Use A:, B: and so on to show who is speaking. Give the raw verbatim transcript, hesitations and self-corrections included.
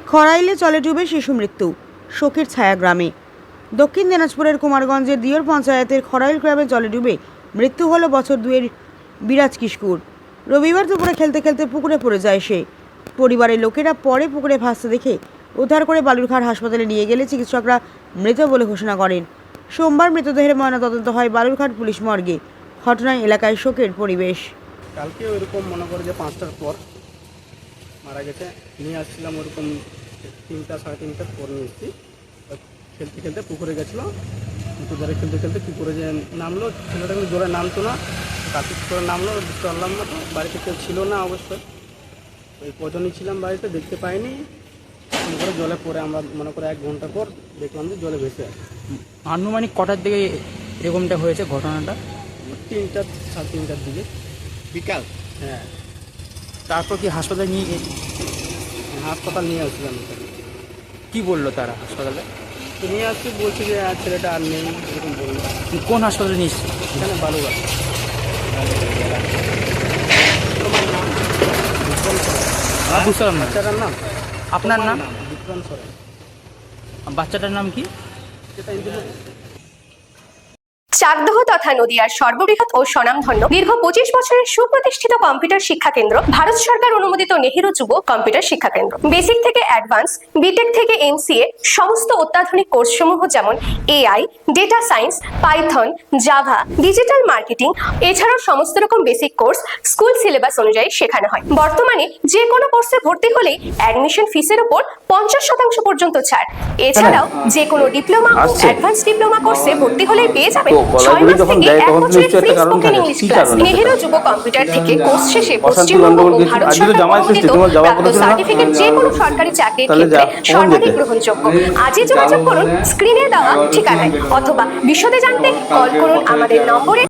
A: খরাইলে জলে ডুবে শিশু মৃত্যু, শোকের ছায়া গ্রামে। দক্ষিণ দিনাজপুরের কুমারগঞ্জের দিয়র পঞ্চায়েতের খরাইল গ্রামে জলে ডুবে মৃত্যু হলো বছর দুয়ের বিরাজ কিশকুর। রবিবার দুপুরে খেলতে খেলতে পুকুরে পড়ে যায় সে। পরিবারের লোকেরা পরে পুকুরে ভাসতে দেখে উদ্ধার করে বালুরঘাট হাসপাতালে নিয়ে গেলে চিকিৎসকরা মৃত বলে ঘোষণা করেন। সোমবার মৃতদেহের ময়নাতদন্ত হয় বালুরঘাট পুলিশ মর্গে। ঘটনায় এলাকায় শোকের পরিবেশ।
B: কালকে ওইরকম মনে করে যে পাঁচটার পর মারা গেছে, নিয়ে আসছিলাম ওরকম তিনটা সাড়ে তিনটার পর নিয়ে এসেছি। খেলতে খেলতে পুকুরে গেছিলো, পুকুর ধারে খেলতে খেলতে পুকুরে যে নামলো, ছেলেটা কিন্তু জোরে নামতো না, কাছে করে নামলো, চললাম না, তো বাড়িতে কেউ ছিল না অবশ্যই, ওই কজনই ছিলাম বাড়িতে, দেখতে পাইনি। মনে করে জলে পড়ে আমরা মনে করে এক ঘন্টা পর দেখলাম যে জলে ভেসে আছে।
C: আনুমানিক কটার দিকে এরকমটা হয়েছে ঘটনাটা?
B: তিনটা সাড়ে তিনটার দিকে
C: বিকাল।
B: হ্যাঁ,
C: তারপর কি হাসপাতালে নিয়ে
B: হাসপাতাল নিয়ে আসছিলাম।
C: কি বললো তারা হাসপাতালে?
B: নিয়ে আসছি, বলছি যে আর ছেলেটা আর নেই, এরকম বললো।
C: কোন হাসপাতালে নিয়ে এসেছে?
B: এখানে বালুঘাট।
C: বুঝলাম না।
B: বাচ্চাটার নাম?
C: আপনার নাম?
B: বিক্রম সরেন।
C: বাচ্চাটার নাম কি?
B: সেটা ইন্টারভিউ।
D: চাকদহ তথা নদিয়ার সর্ববৃহৎ ও স্বনামধন্য দীর্ঘ পঁচিশ বছরের সুপ্রতিষ্ঠিত কম্পিউটার শিক্ষা কেন্দ্র ভারত সরকার অনুমোদিত নেহেরু যুব কম্পিউটার শিক্ষা কেন্দ্র। বেসিক থেকে অ্যাডভান্স, বিটেক থেকে এমসিএ সমস্ত অত্যাধুনিক কোর্সসমূহ যেমন AI, data science, Python, Java, digital marketing এছাড়াও সমস্ত রকম বেসিক কোর্স স্কুল সিলেবাস অনুযায়ী শেখানো হয়। বর্তমানে যে কোনো কোর্সে ভর্তি হলেই অ্যাডমিশন ফিসের উপর পঞ্চাশ শতাংশ পর্যন্ত ছাড়। এছাড়াও যে কোনো ডিপ্লোমা ও অ্যাডভান্স ডিপ্লোমা কোর্সে ভর্তি হলেই পেয়ে যাবেন ছয় মাস থেকে এক বছরের free spoken English class. Nehru Yuba computer থেকে কোর্স শেষে পশ্চিমবঙ্গ ও ভারত সরকার অনুমোদিত প্রাপ্ত সার্টিফিকেট যে কোনো সরকারি চাকরির ক্ষেত্রে সর্বাধিক গ্রহণযোগ্য। আজই যোগাযোগ করুন স্ক্রিনে দেওয়া ঠিকানায় অথবা বিশদে জানতে কল করুন আমাদের নম্বরে।